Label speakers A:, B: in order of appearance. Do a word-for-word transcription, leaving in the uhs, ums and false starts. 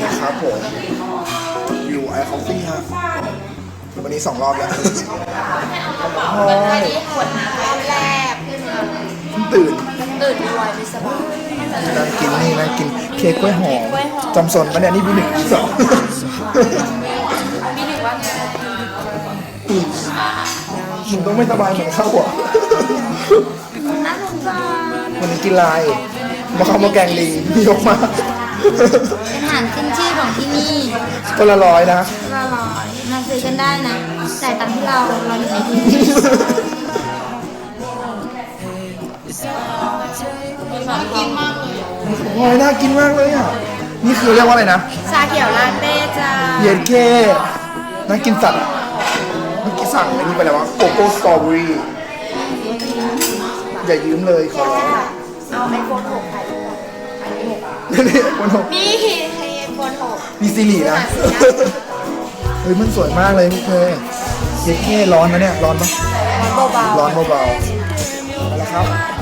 A: นะครับผมอยู่ไอคอฟฟี่ฮะวันนี้สองรอบแล้วพลอย
B: ปวดนะรอบแรก
A: ตื่น
B: ตื่นด้วยไม่สบาย
A: นั่งกินนี่นั่งกินเค้กกล้วยหอมจำสนปะเนี่ยนี่บีหนึ่งบีสอง
B: มีหนึ่งว่าไง
A: มึงต้องไม่สบายเหมือนเข้าอ่ะ
B: น่าสงสาร
A: วันนี้กินลายมาข้าวมาแกงลิงยกมา
B: เป็นอาหารขึ้นชื่อของที่นี่
A: ตัวละร้อยนะ
B: ละร้อยมาซื้อกันได้นะแต่ตามที่เราเราอยู่ในที่นี่กินมากเลย
A: โอ้ยน่ากินมากเลยอ่ะนี่คือเรียกว่าอะไรนะ
B: ชาเขียวลาเต้จ้า
A: เย็นเคน่ากินสัตว์อ่ะเมื่อกี้สั่งอันนี้ไปแล้วว่าโกโก้สตรอเบอรี่อย่ายืมเลยขอร้อง
B: เอาไอโฟนหกไอโฟนไอหก
A: นี่คนหก
B: นี่ไอโฟนหก
A: มีซีรีส์นะเฮ้ยมันสวยมากเลยพวกเธอเย็นเคร้อนนะเนี่ยร้อนปะ
B: เบาๆ
A: ร้อนเบาๆเอาละครับ